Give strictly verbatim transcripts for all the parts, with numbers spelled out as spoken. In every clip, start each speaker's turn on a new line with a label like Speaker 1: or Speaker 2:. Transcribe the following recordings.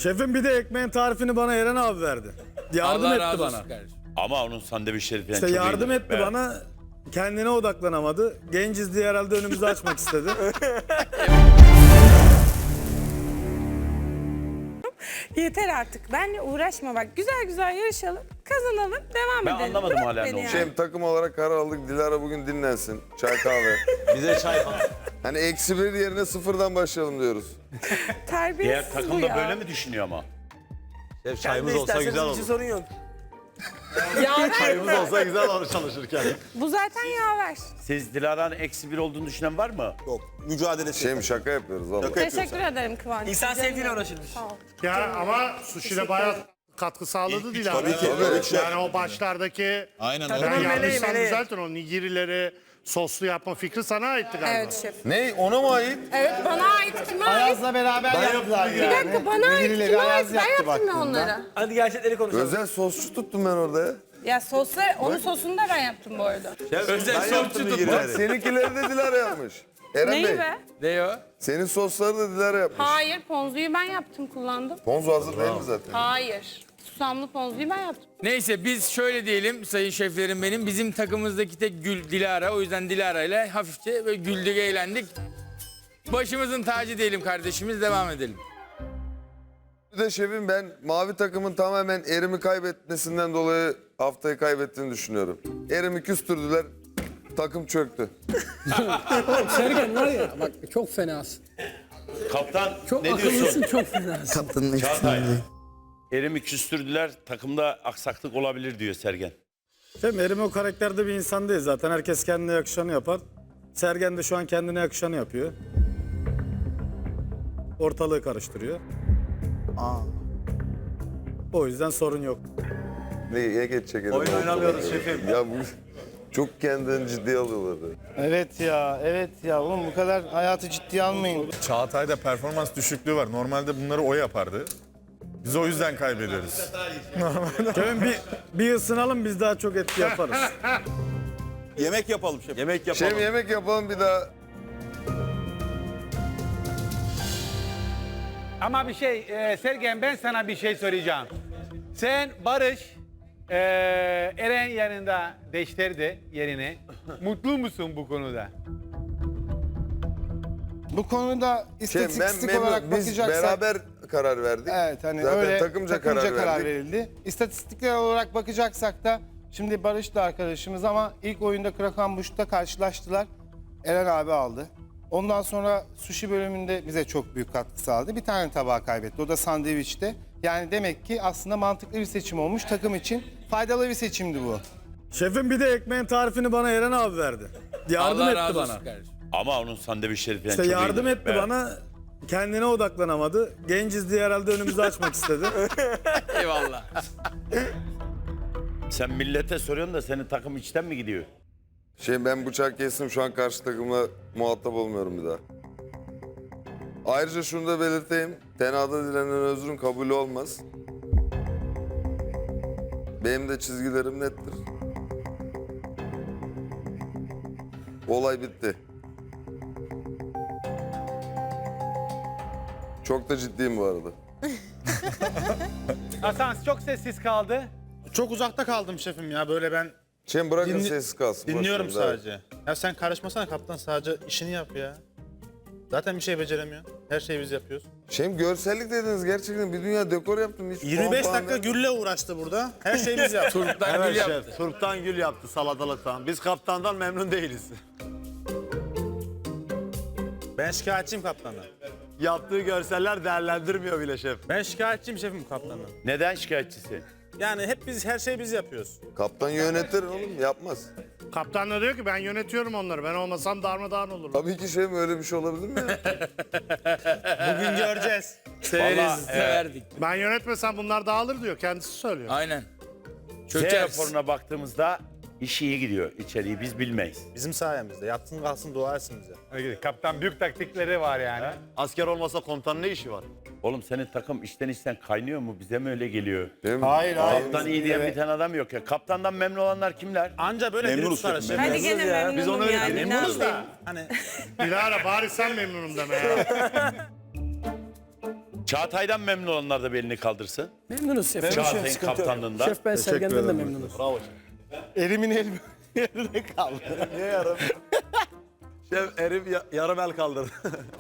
Speaker 1: Şefim bir de ekmeğin tarifini bana Eren abi verdi. Yardım
Speaker 2: Allah
Speaker 1: etti
Speaker 2: razı
Speaker 1: bana.
Speaker 2: olsun kardeşim.
Speaker 3: Ama onun sandviçleri falan
Speaker 1: İşte
Speaker 3: çok
Speaker 1: yardım
Speaker 3: iyiydi.
Speaker 1: etti
Speaker 3: Evet.
Speaker 1: bana. Kendine odaklanamadı. Genciz diye herhalde önümüzü açmak istedi.
Speaker 4: Yeter artık. Benle uğraşma bak. Güzel güzel yarışalım. Kazanalım. Devam
Speaker 3: Ben
Speaker 4: edelim.
Speaker 3: anlamadım
Speaker 4: Bırak
Speaker 3: hala
Speaker 4: beni
Speaker 3: ne
Speaker 4: yani.
Speaker 3: oldu.
Speaker 5: Şey, takım olarak karar aldık. Dilara bugün dinlensin. Çay kahve.
Speaker 6: Bize çay falan.
Speaker 5: Hani eksi bir yerine sıfırdan başlayalım diyoruz.
Speaker 4: Terbiyesiz
Speaker 3: Diğer
Speaker 4: bu
Speaker 3: takım da
Speaker 4: ya.
Speaker 3: böyle mi düşünüyor ama?
Speaker 6: Şef, çayımız olsa güzel olur.
Speaker 7: sorun yok.
Speaker 4: Yaver.
Speaker 6: Çayımız olsa güzel olur çalışırken.
Speaker 4: Bu zaten yaver.
Speaker 3: Siz Dilara'nın eksi bir olduğunu düşünen var mı?
Speaker 6: Yok, mücadele
Speaker 5: Şey şaka yapıyoruz valla.
Speaker 4: Teşekkür ederim Kıvanç.
Speaker 7: İnsan
Speaker 4: Canım
Speaker 7: sevdiğine
Speaker 4: benim.
Speaker 7: uğraşılır.
Speaker 4: Sağ ol.
Speaker 8: Ya ama sushi'de bayağı katkı sağladı Dilara.
Speaker 6: tabii ki,
Speaker 8: Evet.
Speaker 6: tabii.
Speaker 8: Yani o başlardaki
Speaker 6: Aynen
Speaker 8: ben
Speaker 7: Takımın meleği,
Speaker 8: yanlışsam
Speaker 7: meleği.
Speaker 8: düzeltin o nigirileri soslu yapma fikri sana aitti galiba.
Speaker 4: Evet şef.
Speaker 5: Ne? Ona mı ait?
Speaker 4: Evet bana ait. Kime ait?
Speaker 9: Ayaz'la beraber yaptılar
Speaker 4: Bir
Speaker 9: yani.
Speaker 4: dakika bana ait.
Speaker 9: Birileri
Speaker 4: Kime ait?
Speaker 9: Ayaz
Speaker 4: Ben
Speaker 9: yaptı
Speaker 4: yaptım ya
Speaker 9: baktığında.
Speaker 4: onları.
Speaker 7: Hadi gerçekleri konuşalım.
Speaker 5: Özel sosçu tuttum ben orada ya.
Speaker 4: Ya sosla, onun sosunu da ben yaptım bu arada.
Speaker 2: Özel sosçu tutma.
Speaker 5: Bak seninkileri de Dilara yapmış. Eren
Speaker 4: Neyi
Speaker 5: Bey,
Speaker 4: be?
Speaker 2: Ne o?
Speaker 5: senin sosları da Dilara yapmış.
Speaker 4: Hayır, ponzuyu ben yaptım, kullandım.
Speaker 5: Ponzu hazır değil mi zaten?
Speaker 4: Hayır. Susamlı ponzuyu ben yaptım.
Speaker 2: Neyse biz şöyle diyelim sayın şeflerim benim. Bizim takımımızdaki tek gül Dilara. O yüzden Dilara ile hafifçe böyle güldük eğlendik. Başımızın tacı diyelim kardeşimiz, devam edelim.
Speaker 5: Bir de şefim ben mavi takımın tamamen Erim'i kaybetmesinden dolayı haftayı kaybettiğini düşünüyorum. Erim'i küstürdüler, takım çöktü.
Speaker 10: Sergen var ya bak çok fenasın.
Speaker 3: Kaptan
Speaker 10: Çok
Speaker 3: ne
Speaker 10: akıllısın,
Speaker 3: diyorsun?
Speaker 10: çok fenasın.
Speaker 9: Kaptanın
Speaker 3: Çağatay. Erim'i küstürdüler, takımda aksaklık olabilir diyor Sergen.
Speaker 1: Şefim Eren o karakterde bir insan değil zaten. Herkes kendine yakışanı yapar. Sergen de şu an kendine yakışanı yapıyor. Ortalığı karıştırıyor. O yüzden sorun yok.
Speaker 5: Neye geçecek Erim?
Speaker 6: Oyun oynamıyoruz şefim.
Speaker 5: Ya bu çok kendilerini ciddiye alıyorlar.
Speaker 9: Evet ya, evet ya. Oğlum bu kadar hayatı ciddiye almayın.
Speaker 11: Çağatay'da performans düşüklüğü var. Normalde bunları o yapardı. Biz o yüzden kaybediyoruz.
Speaker 1: Şefim bir, bir ısınalım biz daha çok etki yaparız.
Speaker 6: Yemek yapalım şef. Yemek yapalım.
Speaker 5: Şef yemek yapalım bir daha.
Speaker 12: Ama bir şey, e, Sergen ben sana bir şey söyleyeceğim. Sen Barış, e, Eren yanında değiştirdi yerini. Mutlu musun bu konuda?
Speaker 9: Bu konuda
Speaker 5: Şey, ben
Speaker 9: istatistik olarak
Speaker 5: memnun, biz
Speaker 9: bakacaksak...
Speaker 5: beraber karar verdik.
Speaker 9: Evet hani
Speaker 5: Zaten
Speaker 9: öyle
Speaker 5: takımca,
Speaker 9: takımca
Speaker 5: karar,
Speaker 9: karar,
Speaker 5: verdik.
Speaker 9: verildi. İstatistikler olarak bakacaksak da şimdi Barış da arkadaşımız ama ilk oyunda Krakenbusch'ta karşılaştılar. Eren abi aldı. Ondan sonra sushi bölümünde bize çok büyük katkı sağladı. Bir tane tabağı kaybetti. O da sandviçte. Yani demek ki aslında mantıklı bir seçim olmuş. Takım için faydalı bir seçimdi bu.
Speaker 1: Şefim bir de ekmeğin tarifini bana Eren abi verdi. Yardım
Speaker 2: Allah
Speaker 1: etti
Speaker 2: razı
Speaker 1: bana.
Speaker 2: olsun kardeşim.
Speaker 3: Ama onun sandviçleri falan
Speaker 1: İşte
Speaker 3: çok
Speaker 1: yardım
Speaker 3: iyiydi.
Speaker 1: etti
Speaker 3: Evet.
Speaker 1: bana. Kendine odaklanamadı. Genciz diye herhalde önümüzü açmak istedi.
Speaker 2: Eyvallah.
Speaker 3: Sen millete soruyorsun da senin takım içten mi gidiyor?
Speaker 5: Şey ben bıçak kestim şu an karşı takımla muhatap olmuyorum bir daha. Ayrıca şunu da belirteyim. Tenada dilenen özrün kabulü olmaz. Benim de çizgilerim nettir. Olay bitti. Çok da ciddiyim bu arada.
Speaker 12: Hasan çok sessiz kaldı.
Speaker 8: Çok uzakta kaldım şefim ya böyle ben
Speaker 5: Şimdi bırakın
Speaker 8: Dinli-
Speaker 5: sessiz kalsın.
Speaker 8: dinliyorum
Speaker 5: boş verin,
Speaker 8: sadece. Ya sen karışmasana kaptan, sadece işini yap ya. Zaten bir şey beceremiyor. Her şeyi biz yapıyoruz.
Speaker 5: Şimdi görsellik dediniz gerçekten bir dünya dekor yaptım. Hiç
Speaker 8: yirmi beş
Speaker 5: puan
Speaker 8: dakika
Speaker 5: falan
Speaker 8: gülle uğraştı burada. Her şeyi biz yaptık.
Speaker 2: Turptan gül
Speaker 6: Evet
Speaker 2: yaptı.
Speaker 6: şef. Turptan gül yaptı salatalıktan. Biz kaptandan memnun değiliz.
Speaker 8: Ben şikayetçiyim kaptandan.
Speaker 6: Yaptığı görseller değerlendirmiyor bile şef.
Speaker 8: Ben şikayetçiyim şefim kaptandan.
Speaker 3: Neden şikayetçisi?
Speaker 8: Yani hep biz her şeyi biz yapıyoruz.
Speaker 5: Kaptan yönetir oğlum yapmaz.
Speaker 8: Kaptan da diyor ki ben yönetiyorum onları. Ben olmasam darmadağın olur.
Speaker 5: Tabii ki şey mi öyle bir şey olabilir mi ya?
Speaker 8: Bugün göreceğiz.
Speaker 2: Severiz, severdik.
Speaker 8: Ben yönetmesem bunlar dağılır diyor. Kendisi söylüyor.
Speaker 2: Aynen.
Speaker 3: Z
Speaker 2: Çökeriz.
Speaker 3: raporuna baktığımızda iş iyi gidiyor. İçeriği biz bilmeyiz.
Speaker 8: Bizim sayemizde. Yatsın kalsın dua etsin bize.
Speaker 12: Kaptan büyük taktikleri var yani.
Speaker 6: Asker olmasa komutanın ne işi var?
Speaker 3: Oğlum senin takım içten içten kaynıyor mu? Bize mi öyle geliyor?
Speaker 5: Değil mi?
Speaker 9: Hayır hayır.
Speaker 3: Kaptan iyi diyen bir tane adam yok ya. Kaptandan memnun olanlar kimler?
Speaker 8: Anca böyle biri tutar şefim.
Speaker 4: Hadi gene memnunum
Speaker 6: Biz onu
Speaker 4: yani.
Speaker 6: öyle
Speaker 4: ne
Speaker 8: Memnunuz
Speaker 4: yapayım?
Speaker 8: da hani
Speaker 9: Dilara bari sen memnunum deme ya.
Speaker 3: Çağatay'dan memnun olanlar da bir elini kaldırsın.
Speaker 10: Memnunuz şef.
Speaker 3: Çağatay'ın kaptanlığında.
Speaker 10: Şef ben Sergen'den de memnunuz.
Speaker 8: Elimin el yerine kaldı. Niye yarım? Şef erim ya- yarım el kaldırdı.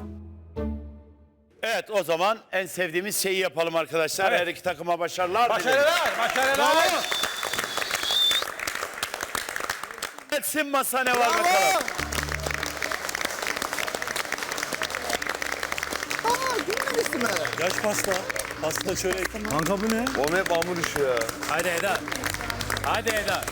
Speaker 3: Evet, o zaman en sevdiğimiz şeyi yapalım arkadaşlar. Her iki takıma başarılar. dilerim.
Speaker 12: Başarılar, başarılar.
Speaker 3: Etsin masa ne var bakalım.
Speaker 11: Yaş pasta. Pasta şöyle.
Speaker 1: Kanka bu ne?
Speaker 5: Oğlum hep hamur işi ya.
Speaker 6: Hadi Eda. Hadi Eda.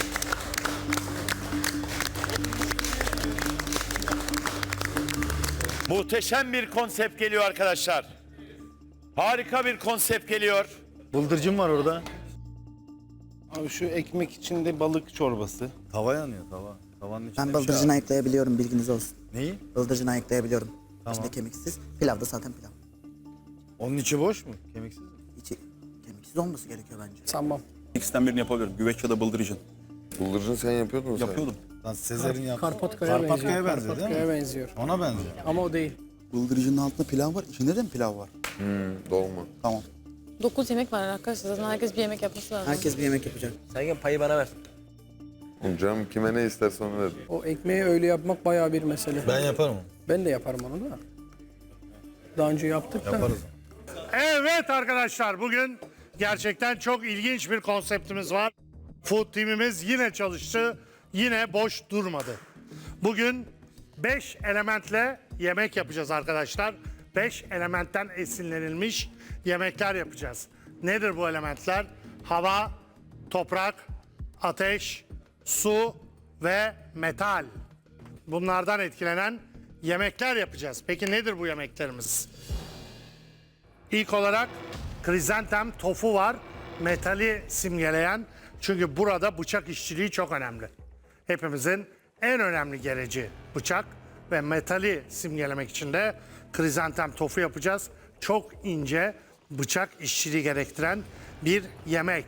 Speaker 3: Muhteşem bir konsept geliyor arkadaşlar. Harika bir konsept geliyor.
Speaker 1: Bıldırcın var orada.
Speaker 9: Abi şu ekmek içinde balık çorbası.
Speaker 1: Tava yanıyor tava. Tavanın içinde
Speaker 7: Ben
Speaker 1: bir şey
Speaker 7: bıldırcını
Speaker 1: var.
Speaker 7: ayıklayabiliyorum, bilginiz olsun.
Speaker 1: Neyi?
Speaker 7: Bıldırcını ayıklayabiliyorum. İçinde kemiksiz. Pilav da zaten pilav.
Speaker 1: Onun içi boş mu? Kemiksiz mi?
Speaker 7: İçi kemiksiz olması gerekiyor bence.
Speaker 10: Sanmam.
Speaker 11: İkisinden birini yapabiliyorum. Güveç ya da bıldırıcın.
Speaker 5: Bıldırcın sen yapıyordun mu sen?
Speaker 11: Yapıyordum.
Speaker 1: Lan Sezer'in yaptığı.
Speaker 10: Karpatkaya
Speaker 1: Karpatkaya
Speaker 10: benziyor.
Speaker 1: benziyor değil mi?
Speaker 10: Karpatkaya benziyor.
Speaker 1: Ona benziyor.
Speaker 10: Ama o değil.
Speaker 7: Bıldırcının altında pilav var. İçinde de mi pilav var?
Speaker 5: Dolma.
Speaker 7: Tamam.
Speaker 4: Dokuz yemek var arkadaşlar. Zaten herkes bir yemek yapması lazım.
Speaker 7: Herkes bir yemek yapacak.
Speaker 6: Sergen payı bana ver.
Speaker 5: Oğlum canım kime ne isterse onu ver.
Speaker 10: O ekmeği öyle yapmak bayağı bir mesele.
Speaker 1: Ben yaparım onu.
Speaker 10: Ben de yaparım onu da. Daha önce yaptık da.
Speaker 1: Yaparız.
Speaker 12: Evet arkadaşlar, bugün gerçekten çok ilginç bir konseptimiz var. Food Team'imiz yine çalıştı, yine boş durmadı. Bugün beş elementle yemek yapacağız arkadaşlar. Beş elementten esinlenilmiş yemekler yapacağız. Nedir bu elementler? Hava, toprak, ateş, su ve metal. Bunlardan etkilenen yemekler yapacağız. Peki nedir bu yemeklerimiz? İlk olarak krizantem tofu var. Metali simgeleyen. Çünkü burada bıçak işçiliği çok önemli. Hepimizin en önemli gereci bıçak ve metali simgelemek için de krizantem tofu yapacağız. Çok ince bıçak işçiliği gerektiren bir yemek.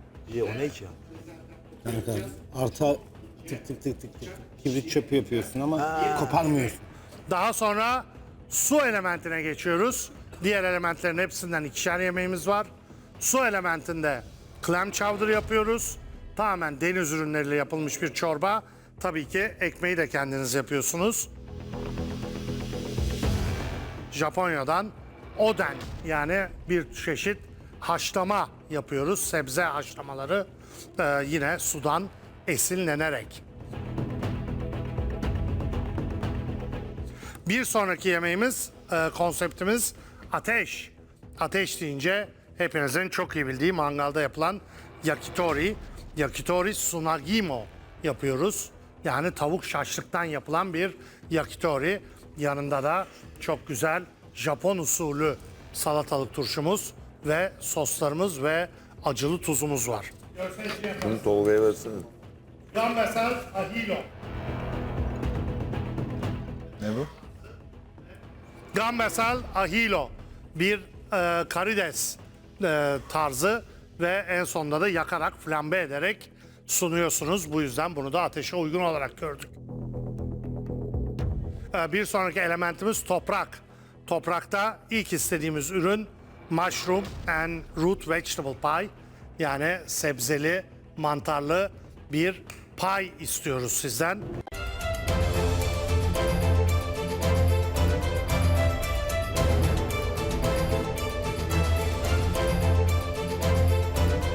Speaker 9: Artı tık tık tık tık tık. Kibrit çöpü yapıyorsun ama koparmıyorsun.
Speaker 12: Daha sonra su elementine geçiyoruz. Diğer elementlerin hepsinden ikişer yemeğimiz var. Su elementinde clam chowder yapıyoruz. Tamamen deniz ürünleriyle yapılmış bir çorba. Tabii ki ekmeği de kendiniz yapıyorsunuz. Japonya'dan oden, yani bir çeşit haşlama yapıyoruz. Sebze haşlamaları e, yine sudan esinlenerek. Bir sonraki yemeğimiz, e, konseptimiz ateş. Ateş deyince hepinizin çok iyi bildiği mangalda yapılan yakitori. Yakitori sunagimo yapıyoruz. Yani tavuk şaşlıktan yapılan bir yakitori. Yanında da çok güzel Japon usulü salatalık turşumuz ve soslarımız ve acılı tuzumuz var.
Speaker 5: Bunu Tolga'ya versene.
Speaker 12: Gambasal ahilo.
Speaker 1: Ne bu?
Speaker 12: Gambasal ahilo, bir e, karides e, tarzı ve en sonunda da yakarak, flambe ederek sunuyorsunuz. Bu yüzden bunu da ateşe uygun olarak gördük. E, bir sonraki elementimiz toprak. Toprakta ilk istediğimiz ürün mushroom and root vegetable pie. Yani sebzeli, mantarlı bir pie istiyoruz sizden.